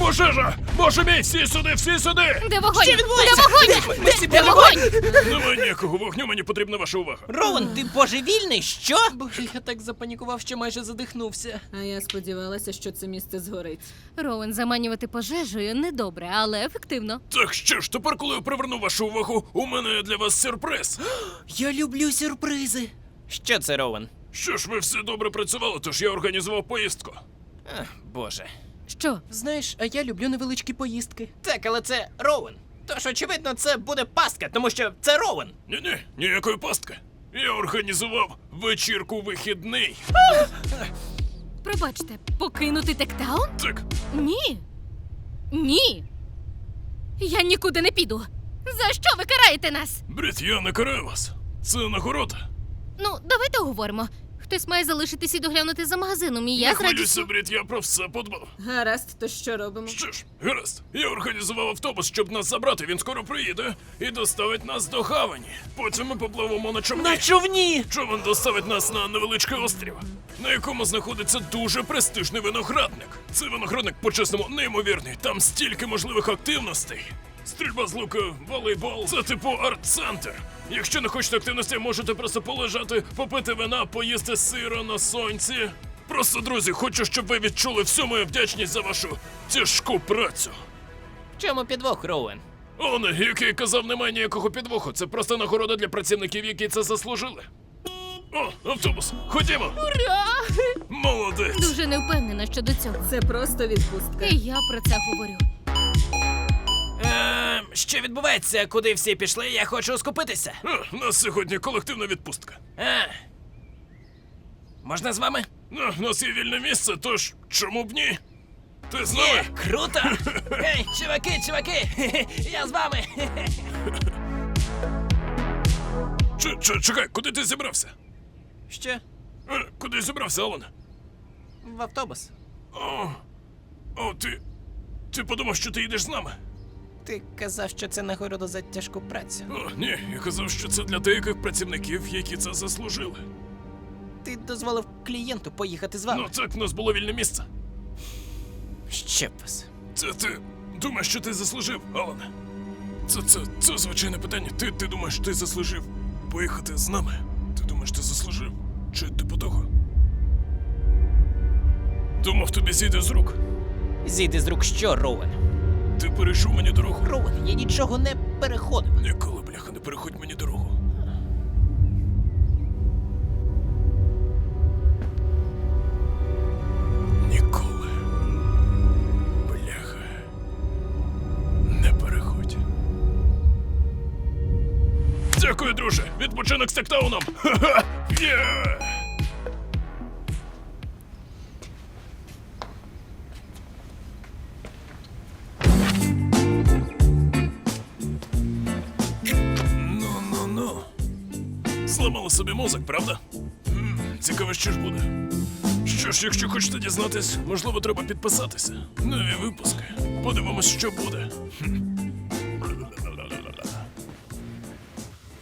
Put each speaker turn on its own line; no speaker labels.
Пожежа! Боже мій, всі сюди, всі сюди!
Де вогонь?
Що відбувається?
Де вогонь? Де вогонь?
Немає ніякого вогню, мені потрібна ваша увага.
Роуен, ти божевільний? Що?
Боже, я так запанікував, що майже задихнувся.
А я сподівалася, що це місце згорить.
Роуен, заманювати пожежею недобре, але ефективно.
Так що ж, тепер, коли я приверну вашу увагу, у мене є для вас сюрприз.
Я люблю сюрпризи.
Що це, Роуен?
Що ж, ви всі добре працювали, тож я організував поїздку.
Боже.
Що?
Знаєш, а я люблю невеличкі поїздки.
Так, але це Роуен. Тож, очевидно, це буде пастка, тому що це Роуен.
Ні-ні, ніякої пастки. Я організував вечірку вихідний.
Пробачте, покинути Тектаун?
Так,
Ні. Ні. Я нікуди не піду. За що ви караєте нас?
Брід, я не караю вас. Це нагорода.
Ну, давайте говоримо. Хтось має залишитись і доглянути за магазином, і я
Не
з
хвилюйся,
радістю...
Брід, я про все подбав.
Гаразд, то що робимо?
Що ж, гаразд, я організував автобус, щоб нас забрати, він скоро приїде і доставить нас до гавані. Потім ми попливемо на човні.
На човні!
Човен доставить нас на невеличкий острів, на якому знаходиться дуже престижний виноградник. Цей виноградник, по-чесному, неймовірний. Там стільки можливих активностей. Стрільба з лука, волейбол, це типу арт-центр. Якщо не хочете активності, можете просто полежати, попити вина, поїсти сира на сонці. Просто, друзі, хочу, щоб ви відчули всю мою вдячність за вашу тяжку працю.
В чому підвох, Роуен?
Оне, який казав, немає ніякого підвоху. Це просто нагорода для працівників, які це заслужили. О, автобус, ходімо.
Ура!
Молодець.
Дуже не впевнена щодо цього.
Це просто відпустка.
І я про це говорю.
Що відбувається? Куди всі пішли? Я хочу скупитися.
У нас сьогодні колективна відпустка.
Можна з вами?
У нас є вільне місце, тож чому б ні? Ти з нами?
Круто! Гей, чуваки! Я з вами!
Чекай, куди ти зібрався?
Що?
Куди зібрався, Алан?
В автобус.
О, ти подумав, що ти їдеш з нами?
Ти казав, що це нагорода за тяжку працю.
О, ні, я казав, що це для деяких працівників, які це заслужили.
Ти дозволив клієнту поїхати з вами.
Ну так, в нас було вільне місце.
Ще б вас.
Це ти думаєш, що ти заслужив, Алане? Це звичайне питання. Ти думаєш, ти заслужив поїхати з нами? Ти думаєш, ти заслужив? Чи типу того? Думав, тобі зійде з рук.
Зійди з рук що, Роуен?
Ти перейшов мені дорогу.
Роуен, я нічого не переходив.
Ніколи, бляха, не переходь мені дорогу. Ніколи. Бляха. Не переходь. Дякую, друже. Відпочинок з Тектауном. Ха-ха! Є! Ну. Зламали собі мозок, правда? Цікаво, що ж буде. Що ж, якщо хочете дізнатись, можливо, треба підписатися. Нові випуски. Подивимось, що буде.